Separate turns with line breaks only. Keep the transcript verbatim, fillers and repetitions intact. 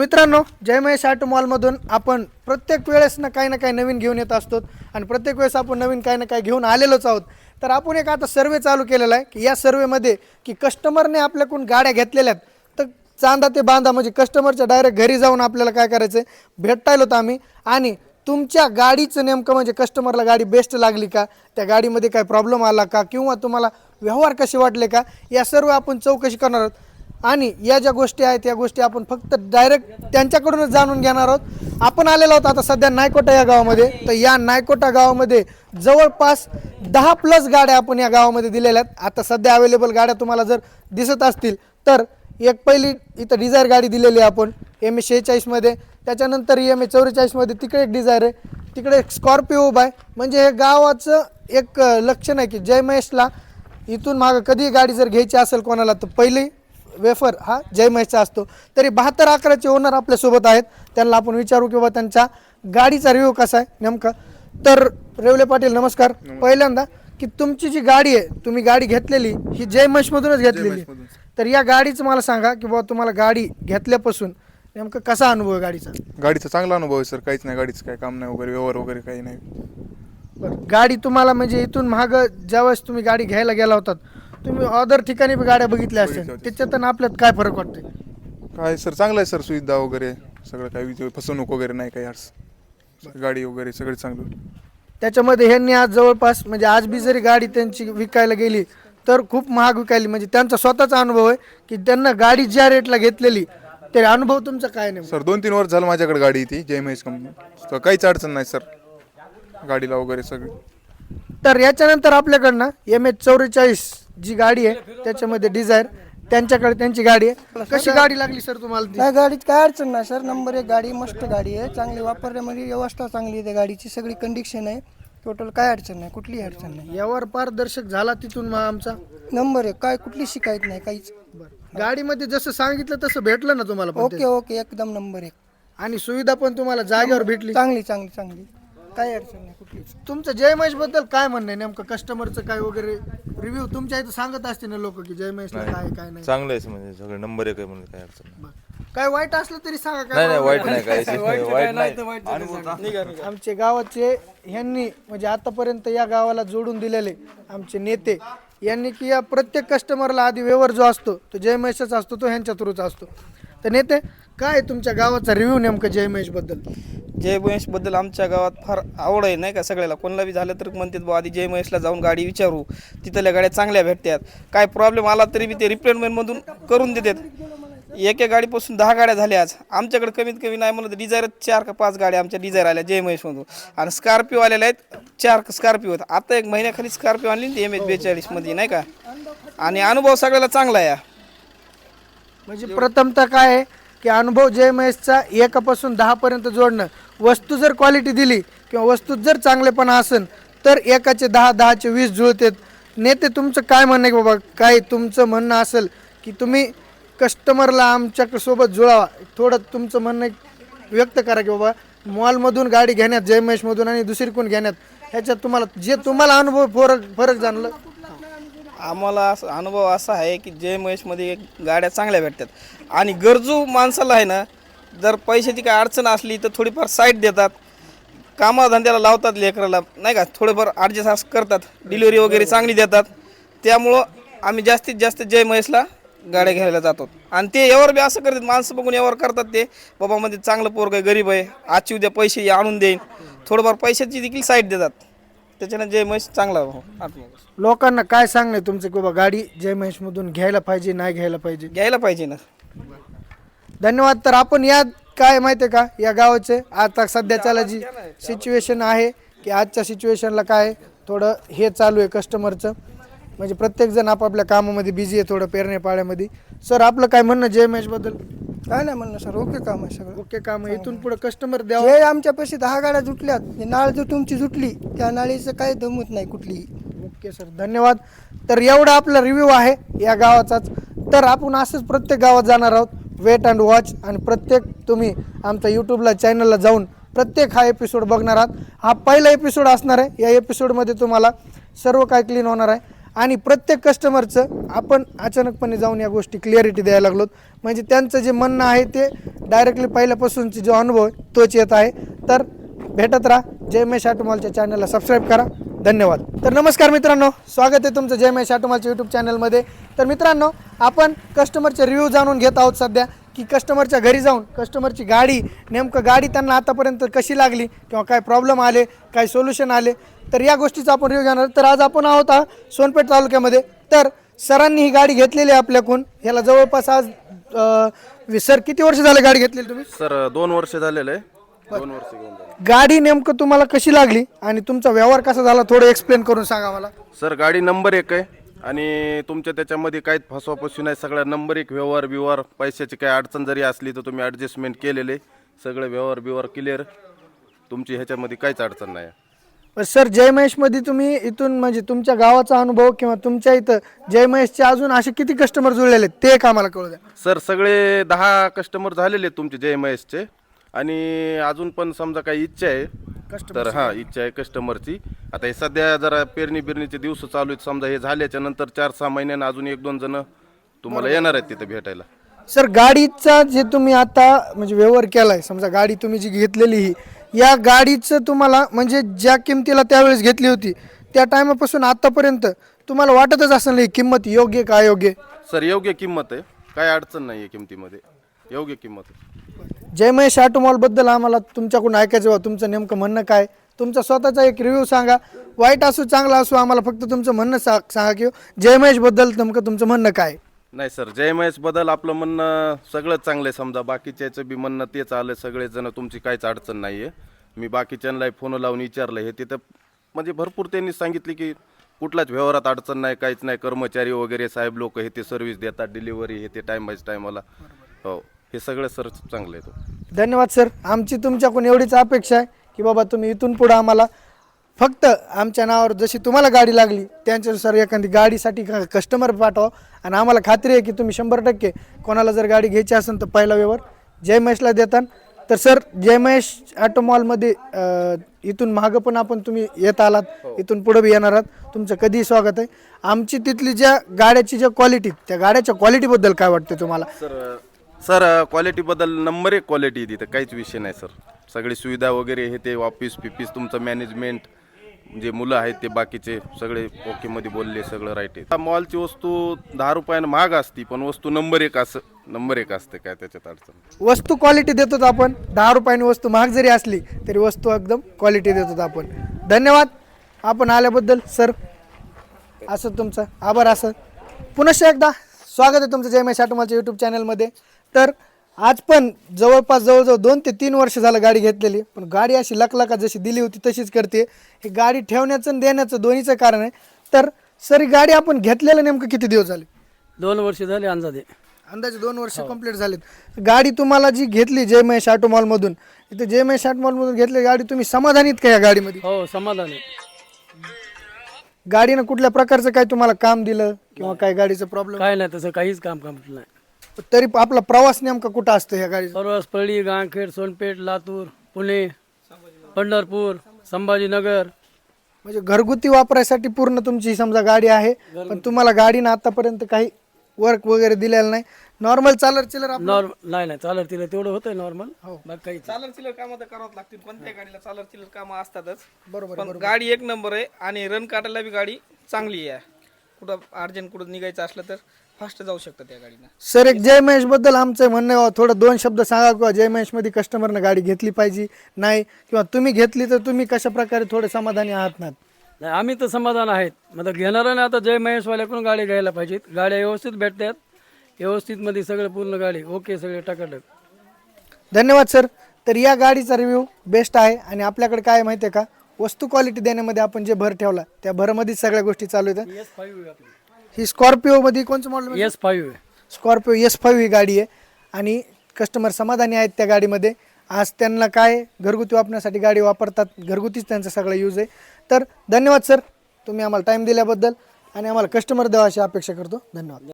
मित्रांनो, जय महेश ऑटो मॉलमधून आपण प्रत्येक वेळेस ना काही ना काही नवीन घेऊन येत असतो आणि प्रत्येक वेळेस आपण नवीन काही ना काही घेऊन आलेलोच आहोत. तर आपण एक आता सर्वे चालू केलेला आहे की या सर्वेमध्ये की कस्टमरने आपल्याकडून गाड्या घेतलेल्या आहेत तर चांदा ते बांधा म्हणजे कस्टमरच्या डायरेक्ट घरी जाऊन आपल्याला काय करायचं आहे, भेटायला होतं आम्ही आणि तुमच्या गाडीचं नेमकं म्हणजे कस्टमरला गाडी बेस्ट लागली का, त्या गाडीमध्ये काय प्रॉब्लेम आला का किंवा तुम्हाला व्यवहार कसे वाटले का, या सर्व आपण चौकशी करणार आहोत. आणि या ज्या गोष्टी आहेत या गोष्टी आपण फक्त डायरेक्ट त्यांच्याकडूनच जाणून घेणार आहोत. आपण आलेलो आहोत आता सध्या नायकोटा या गावामध्ये. तर या नायकोटा गावामध्ये जवळपास दहा प्लस गाड्या आपण या गावामध्ये दिलेल्या आहेत. आता सध्या अवेलेबल गाड्या तुम्हाला जर दिसत असतील तर एक पहिली इथं डिझायर गाडी दिलेली आहे आपण एम ए शेहेचाळीसमध्ये, त्याच्यानंतर एम ए चौवेचाळीसमध्ये तिकडे एक डिझायर आहे, तिकडे एक स्कॉर्पिओ उभा आहे. म्हणजे हे गावाचं एक लक्षण आहे की जय महेशला इथून मागं कधी गाडी जर घ्यायची असेल कोणाला तर पहिली वेफर हा जय महेशचा असतो. तरी बहात्तर अकराचे ओनर आपल्यासोबत आहेत, त्यांना आपण विचारू किंवा त्यांच्या गाडीचा रिव्ह्यू कसा आहे नेमका. तर रेवले पाटील नमस्कार. पहिल्यांदा की तुमची जी गाडी आहे तुम्ही गाडी घेतलेली ही जय महेशमधूनच घेतलेली, तर या गाडीचं मला सांगा की बाबा तुम्हाला गाडी घेतल्यापासून नेमकं कसा अनुभव आहे गाडीचा.
गाडीचा चांगला अनुभव आहे सर, काहीच नाही, गाडीचं काय काम नाही वगैरे, व्यवहार वगैरे काही नाही.
बरं, गाडी तुम्हाला म्हणजे इथून मागं ज्यावेळेस तुम्ही गाडी घ्यायला गेला होतात तुम्ही अदर ठिकाणी गाड्या बघितल्या असतील, त्याच्यातून आपल्यात काय फरक वाटतोय.
काय सर चांगलं आहे सर, सुविधा वगैरे सगळं, काही फसवणूक वगैरे नाही, काही अडचण, गाडी वगैरे सगळं चांगलं.
त्याच्यामध्ये ह्यांनी आज जवळपास म्हणजे आज बी जरी गाडी त्यांची विकायला गेली तर खूप महाग विकायली, म्हणजे त्यांचा स्वतःचा अनुभव आहे की त्यांना गाडी ज्या रेटला घेतलेली ते अनुभव तुमचा काय नाही.
सर दोन तीन वर्ष झालं माझ्याकडे गाडी ती जय महेश कंपनी, काहीच अडचण नाही सर गाडीला वगैरे सगळी.
तर याच्यानंतर आपल्याकडनं एम एच चौवेचाळीस जी गाडी आहे त्याच्यामध्ये डिझायर त्यांच्याकडे त्यांची गाडी आहे. कशी गाडी लागली सर तुम्हाला ती.
त्या गाडीत काय अडचण नाही सर, नंबर एक गाडी, मस्त गाडी आहे, चांगली वापरण्यामध्ये व्यवस्था चांगली आहे, त्या गाडीची सगळी कंडिशन आहे, टोटल काय अडचण नाही, कुठलीही अडचण नाही.
यावर पारदर्शक झाला तिथून मग आमचा
नंबर एक, काय कुठली शिकायत नाही काहीच.
गाडीमध्ये जसं सांगितलं तसं भेटलं ना तुम्हाला पण
ओके
ते?
ओके एकदम नंबर एक,
आणि सुविधा पण तुम्हाला जागेवर भेटली.
चांगली चांगली चांगली, काय अडचण नाही कुठली.
तुमचं जय महेश बद्दल काय म्हणणं आहे नेमकं, कस्टमरचं काय वगैरे रिव्ह्यू तुमच्या इथं सांगत असतील ना लोक की जय महेशला काय काय नाही.
चांगलं आहे म्हणजे सगळं नंबर एक आहे म्हणजे काय अडचण नाही.
काय वाईट असलं तरी सांगा.
नाही
काय
नाही वाईट नाही काय वाईट नाही.
आमचे गावाचे ह्यांनी म्हणजे आतापर्यंत या गावाला जोडून दिलेले आमचे नेते यांनी की या प्रत्येक कस्टमरला आधी व्यवहार जो असतो तो जय महेशचा असतो, तो ह्यांच्या थ्रूचा असतो. तर नेते काय तुमच्या गावाचा रिव्ह्यू नेमकं जय महेश बद्दल.
जय महेशबद्दल आमच्या गावात फार आवड आहे नाही का, सगळ्याला कोणाला बी झालं तर म्हणतात बा आधी जय महेशला जाऊन गाडी विचारू, तिथल्या गाड्या चांगल्या भेटतात, काय प्रॉब्लेम आला तरी बी ते रिप्लेसमेंटमधून करून देतात. एका गाडीपासून दहा गाड्या झाल्या आज आमच्याकडे, कमीत कमी नाही म्हणलं तर डिझायर चार का पाच गाड्या आमच्या डिझायर आल्या जय महेशमधून, आणि स्कॉर्पिओ आलेल्या आहेत चार स्कॉर्पिओ. आता एक महिन्याखाली स्कॉर्पिओ आणली एम एच बेचाळीसमध्ये नाही का, आणि अनुभव सगळ्याला चांगला आहे.
म्हणजे प्रथमतः काय आहे की अनुभव जय महेशचा एकापासून दहापर्यंत जोडणं, वस्तू जर क्वालिटी दिली किंवा वस्तू जर चांगलेपणा असेल तर एकाचे दहा दहाचे वीस जुळतात. नेते तुमचं काय म्हणणं आहे की बाबा, काय तुमचं म्हणणं असेल की तुम्ही कस्टमरला आमच्या सोबत जुळावा, थोडं तुमचं म्हणणं व्यक्त करा की बाबा मॉलमधून गाडी घेण्यात जय महेशमधून आणि दुसरीकडून घेण्यात ह्याच्यात तुम्हाला जे तुम्हाला अनुभव फरक फरक जाणलं.
आम्हाला असं अनुभव असा आहे की जय महेशमध्ये गाड्या चांगल्या भेटतात, आणि गरजू माणसाला आहे ना जर पैशाची काय अडचण असली तर थोडीफार साईड देतात, कामाधंद्याला लावतात लेकराला नाही का, थोडंफार ॲडजस्ट करतात, डिलिव्हरी वगैरे चांगली देतात. त्यामुळं आम्ही जास्तीत जास्त जय महेशला गाड्या घ्यायला जातो. आणि ते यावर बी असं करतात, माणसं बघून यावर करतात ते बाबा मध्ये चांगलं पोरग आहे, गरीब आहे, आजची उद्या पैसे आणून देईन, थोडंफार पैशाची देखील साईड देतात. त्याच्यानं जय महेश चांगला.
लोकांना काय सांगणं तुमचं की बाबा गाडी जय महेशमधून घ्यायला पाहिजे नाही घ्यायला पाहिजे.
घ्यायला पाहिजे ना.
धन्यवाद. तर आपण या काय माहिती आहे का या गावाचे आता सध्याच्याला जी सिच्युएशन आहे की आजच्या सिच्युएशनला काय थोडं हे चालू आहे कस्टमरचं, म्हणजे प्रत्येकजण आपापल्या कामामध्ये बिझी आहे, थोडं पेरणे पाड्यामध्ये. सर आपलं काय म्हणणं जय महेशबद्दल.
काय नाही म्हणणं सर, ओके काम आहे सगळं,
ओके काम आहे. इथून पुढे कस्टमर द्यावं.
जे आमच्यापाशी दहा गाड्या जुटल्यात, जे नाळ जो तुमची जुटली त्या नाळीचं काय दमत नाही कुठलीही.
ओके सर, धन्यवाद. तर एवढा आपला रिव्ह्यू आहे या गावाचाच. तर आपण असंच प्रत्येक गावात जाणार आहोत, वेट अँड वॉच, आणि प्रत्येक तुम्ही आमच्या यूट्यूबला चॅनलला जाऊन प्रत्येक हा एपिसोड बघणार आहात. हा पहिला एपिसोड असणार आहे, या एपिसोडमध्ये तुम्हाला सर्व काय क्लीन होणार आहे. आणि प्रत्येक कस्टमरचं आपण अचानकपणे जाऊन या गोष्टी क्लिअरिटी द्यायला लागलो. म्हणजे त्यांचं जे म्हणणं आहे ते डायरेक्टली पहिल्यापासूनचे जो अनुभव आहे तोच येत आहे. तर भेटत राहा. जय महेश ऑटोमॉलच्या चॅनलला सबस्क्राईब करा. धन्यवाद. तर नमस्कार मित्रांनो, स्वागत आहे तुमचं जय महेश ऑटोमॉलच्या यूट्यूब चॅनलमध्ये. तर मित्रांनो, आपण कस्टमरचे रिव्ह्यू जाणून घेत आहोत सध्या, की कस्टमरच्या घरी जाऊन कस्टमरची गाडी नेमकं गाडी त्यांना आतापर्यंत कशी लागली किंवा काय प्रॉब्लेम आले, काय सोल्युशन आले, तर या गोष्टीचा आपण रिव्ह्यू घेणार. तर आज आपण आहोत हा सोनपेठ तालुक्यामध्ये. तर सरांनी ही गाडी घेतलेली आहे आपल्याकडून. ह्याला जवळपास आज अं, सर किती वर्ष झाले गाडी घेतलेली तुम्ही?
सर दोन वर्ष झालेलं आहे. दोन वर्ष घेऊन झाले.
गाडी नेमकं तुम्हाला कशी लागली आणि तुमचा व्यवहार कसा झाला थोडं एक्सप्लेन करून सांगा मला.
सर गाडी नंबर एक आहे आणि तुमच्या त्याच्यामध्ये काहीच फसवाफसवी नाही. सगळा नंबर एक व्यवहार बिवहार, पैशाची काही अडचण जरी असली तर तुम्ही ॲडजस्टमेंट केलेले, सगळे व्यवहार बिवहार क्लिअर, तुमची ह्याच्यामध्ये काहीच अडचण नाही.
पण सर जय महेशमध्ये तुम्ही इथून म्हणजे तुमच्या गावाचा अनुभव किंवा तुमच्या इथं जय महेशचे अजून असे किती कस्टमर जुळलेले आहेत ते एक आम्हाला कळू द्या.
सर सगळे दहा कस्टमर झालेले आहेत तुमचे जय महेशचे आणि अजून पण समजा काही इच्छा आहे तर हां इच्छा आहे कस्टमरची. आता हे सध्या जरा पेरणी बिरणीचे दिवस चालू आहेत, समजा हे झाल्याच्या नंतर चार सहा महिन्यानं अजून एक दोन जण तुम्हाला येणार आहेत तिथं भेटायला.
सर गाडीचा जे तुम्ही आता म्हणजे व्यवहार केलाय, समजा गाडी तुम्ही जी घेतलेली ही, या गाडीचं तुम्हाला म्हणजे ज्या किमतीला त्यावेळेस घेतली होती त्या टायमापासून आतापर्यंत तुम्हाला वाटतच असेल ही किंमत योग्य का अयोग्य?
सर योग्य किंमत आहे, काय अडचण नाही आहे किमतीमध्ये, योग्य किंमत आहे.
जय महेश ऑटोमॉल बद्दल आम्हाला तुमच्याकडून ऐकायचं बा, तुमचं नेमकं म्हणणं काय, तुमचा स्वतःचा एक रिव्ह्यू सांगा. वाईट असो चांगला असो, आम्हाला फक्त तुमचं म्हणणं सा सांगा की जय महेश बद्दल नेमकं तुमचं म्हणणं काय.
नाही सर, जय महेश बद्दल आपलं म्हणणं सगळंच चांगलं आहे. समजा बाकीच्याचं बी म्हणणं तेच आलं, सगळेजण तुमची काहीच अडचण नाही आहे. मी बाकीच्यांना फोन लावून विचारलं, हे तिथं म्हणजे भरपूर त्यांनी सांगितले की कुठलाच व्यवहारात अडचण नाही, काहीच नाही. कर्मचारी वगैरे साहेब लोक हे ते सर्व्हिस देतात, डिलिव्हरी हे ते टाईम बाय टाईमाला. हो, हे सगळं सर चांगलं आहे.
धन्यवाद सर. आमची तुमच्याकडून एवढीच अपेक्षा आहे की बाबा तुम्ही इथून पुढं आम्हाला फक्त आमच्या नावावर जशी तुम्हाला गाडी लागली त्यांच्यानुसार एखादी गाडीसाठी कस्टमर पाठवा. आणि आम्हाला खात्री आहे की तुम्ही शंभर टक्के कोणाला जर गाडी घ्यायची असेल तर पहिला व्यवहार जय महेशला देतात. तर सर जय महेश ऑटोमॉलमध्ये इथून मागं पण आपण तुम्ही येत आलात, इथून पुढे बी येणार आहात, तुमचं कधीही स्वागत आहे. आमची तिथली ज्या गाड्याची ज्या क्वालिटी, त्या गाड्याच्या क्वालिटीबद्दल काय वाटतं तुम्हाला?
सर सर क्वालिटीबद्दल नंबर एक क्वालिटी तिथं काहीच विषय नाही सर. सगळी सुविधा वगैरे हे ते ऑफिस पिपीस तुमचं मॅनेजमेंट जे मुलं आहेत ते बाकीचे सगळे ओकेमध्ये बोलले, सगळं राईट आहे. मॉलची वस्तू दहा रुपयानं महाग असती पण वस्तू नंबर एक असं नंबर एक असते, काय त्याच्यात अडचण.
वस्तू क्वालिटी देतो आपण. दहा रुपयांनी वस्तू महाग जरी असली तरी वस्तू एकदम क्वालिटी देतो आपण. धन्यवाद आपण आल्याबद्दल सर. असं तुमचं आभार. असं पुनश्च एकदा स्वागत आहे तुमचं जय महेश ऑटोमॉलच्या यूट्यूब चॅनलमध्ये. तर आज पण जवळपास जवळजवळ दोन ते तीन वर्ष झालं गाडी घेतलेली, पण गाडी अशी लकलका जशी दिली होती तशीच करते. ही गाडी ठेवण्याचं आणि देण्याचं दोन्हीचं कारण आहे. तर सर ही गाडी आपण घेतलेलं नेमकं किती दिवस झाले?
दोन वर्ष झाले अंदाजे.
अंदाजे दोन वर्ष कंप्लीट झालेत. गाडी तुम्हाला जी घेतली जय महेश ऑटोमॉलमधून, इथे जय महेश ऑटोमॉलमधून घेतली गाडी, तुम्ही समाधानीत का या गाडीमध्ये?
हो समाधान आहे.
गाडीनं कुठल्या प्रकारचं काय तुम्हाला काम दिलं किंवा काय गाडीचं प्रॉब्लेम?
काय नाही तसं काहीच काम काम नाही.
तरी आपला प्रवास नेमका कुठं असतो ह्या गाडीचा?
सर्वच पळी, गांगखेड, सोनपेठ, लातूर, पुणे, पंढरपूर, संभाजीनगर.
म्हणजे घरगुती वापरायसाठी पूर्ण तुमची समजा गाडी आहे, पण तुम्हाला गाडीनं आतापर्यंत काही वर्क वगैरे दिलेलं नाही. नॉर्मल चालर चिलर आपलं-
नॉर्मल नाही नाही चालत तिला तेवढं होतंय नॉर्मल. बाकी काही
चालर चिलर कामं तर करावंच लागतील, कोणत्या गाडीला चालर चिलर कामं असतातच.
बरोबर
पण गाडी एक नंबर आहे आणि रन काटायला बी गाडी चांगली आहे. कुठं अर्जंट कुठं निघायचं असलं तर फास्ट जाऊ शकतं त्या गाडीनं.
सर एक जय महेश बद्दल आमचं म्हणणं आहे, थोडं दोन शब्द सांगा किंवा जय महेश मध्ये कस्टमरनं गाडी घेतली पाहिजे नाही, किंवा तुम्ही घेतली तर तुम्ही कशा प्रकारे थोडे समाधानी आहात ना?
नाही आम्ही तर समाधान आहेत. मतलब घेणाऱ्याने आता जय महेशवाल्याकडून गाडी घ्यायला पाहिजेत. गाड्या व्यवस्थित भेटतात, व्यवस्थित मध्ये सगळं पूर्ण गाडी ओके, सगळे टकाटक.
धन्यवाद सर. तर या गाडीचा रिव्ह्यू बेस्ट आहे आणि आपल्याकडे काय माहिती आहे का, वस्तू क्वालिटी देण्यामध्ये आपण जे भर ठेवला त्या भरमध्येच सगळ्या गोष्टी चालू आहेत.
एस फाईव्ह आपली
ही स्कॉर्पिओमध्ये कोणचं मॉडेल?
एस फाईव्ह आहे.
स्कॉर्पिओ एस फाईव्ह ही गाडी आहे आणि कस्टमर समाधानी आहेत त्या गाडीमध्ये. आज त्यांना काय घरगुती वापरण्यासाठी गाडी वापरतात, घरगुतीच त्यांचा सगळा यूज आहे. तर धन्यवाद सर, तुम्ही आम्हाला टाईम दिल्याबद्दल आणि आम्हाला कस्टमर द्यावा अशी अपेक्षा करतो. धन्यवाद.